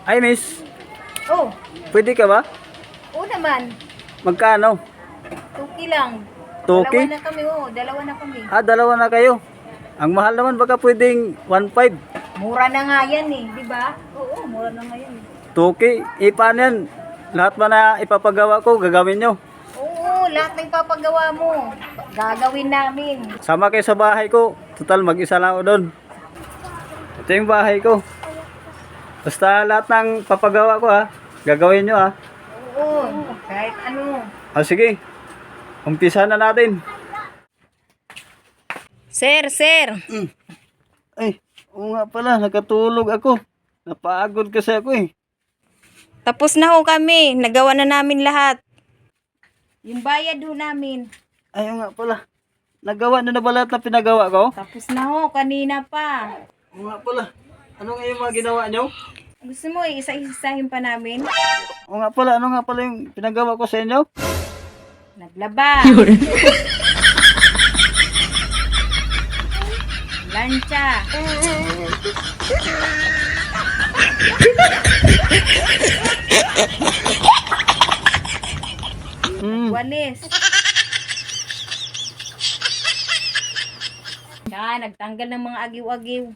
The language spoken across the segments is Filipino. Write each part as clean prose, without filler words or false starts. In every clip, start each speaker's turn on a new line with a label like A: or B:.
A: Ay, miss.
B: Oh,
A: Pwede ka ba?
B: oo naman.
A: Magkano?
B: Tuki lang.
A: Tuki?
B: Dalawa na kami, oh. Dalawa na kami.
A: Dalawa na kayo. Ang mahal naman, baka pwedeng 1.5.
B: Mura na nga yan eh, di ba? Oo, mura na nga yan eh.
A: Tuki. Paano yan? Lahat ba na ipapagawa ko, gagawin nyo?
B: Oo, lahat ng papagawa mo. Gagawin namin.
A: Sama kayo sa bahay ko. Total, mag-isa lang ako doon. Ito yung bahay ko. Basta lahat ng papagawa ko gagawin nyo
B: Oo, kahit ano.
A: Sige. Umpisa na natin.
B: Sir, sir.
A: Ay, oo nga pala, nakatulog ako. Napagod kasi ako
B: Tapos na ho kami. Nagawa na namin lahat. Yung bayad ho namin.
A: Ay, oo nga pala. Nagawa na ba lahat na pinagawa ko?
B: Tapos na ho, kanina pa.
A: Oo nga pala. Ano nga yung mga ginawa nyo?
B: Gusto mo isa-isahin pa namin?
A: Oo nga pala, ano nga pala yung pinagawa ko sa inyo?
B: Naglaba. Lancha. Walis. Nagtanggal ng mga agiw-agiw.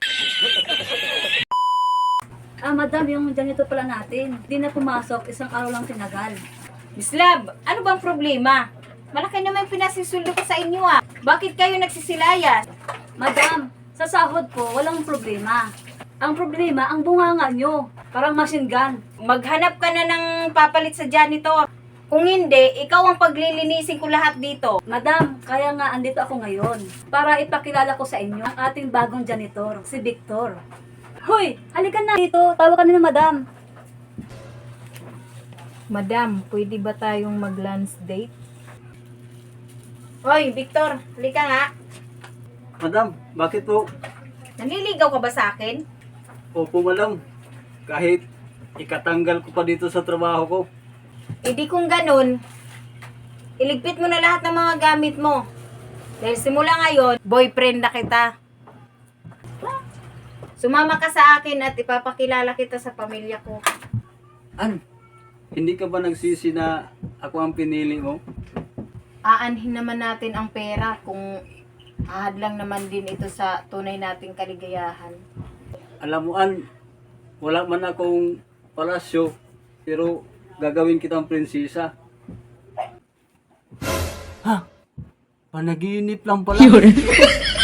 C: Madam, yung janitor pala natin, hindi na pumasok, isang araw lang tinagal.
B: Miss Lab, ano bang problema? Malaki naman yung pinasisuldo ko sa inyo Bakit kayo nagsisilayas?
C: Madam, sa sahod po, walang problema. Ang problema, ang bunganga nyo. Parang machine gun.
B: Maghanap ka na ng papalit sa janitor. Kung hindi, ikaw ang paglilinisin ko lahat dito.
C: Madam, kaya nga andito ako ngayon para ipakilala ko sa inyo ang ating bagong janitor, si Victor. Hoy, halika na dito. Tawag ka na madam.
B: Madam, pwede ba tayong mag-lunch date? Hoy, Victor, halika nga.
A: Madam, bakit po?
B: Nanliligaw ka ba sa akin?
A: Opo, madam. Kahit ikatanggal ko pa dito sa trabaho ko.
B: Di kung ganun, iligpit mo na lahat ng mga gamit mo. Dahil simula ngayon, boyfriend na kita. Sumama ka sa akin at ipapakilala kita sa pamilya ko.
A: Hindi ka ba nagsisi na ako ang pinili mo?
B: Aanhin naman natin ang pera kung ahadlang naman din ito sa tunay nating kaligayahan.
A: Alam mo, wala man akong palasyo, pero gagawin kitang prinsesa. Panaginip lang pala.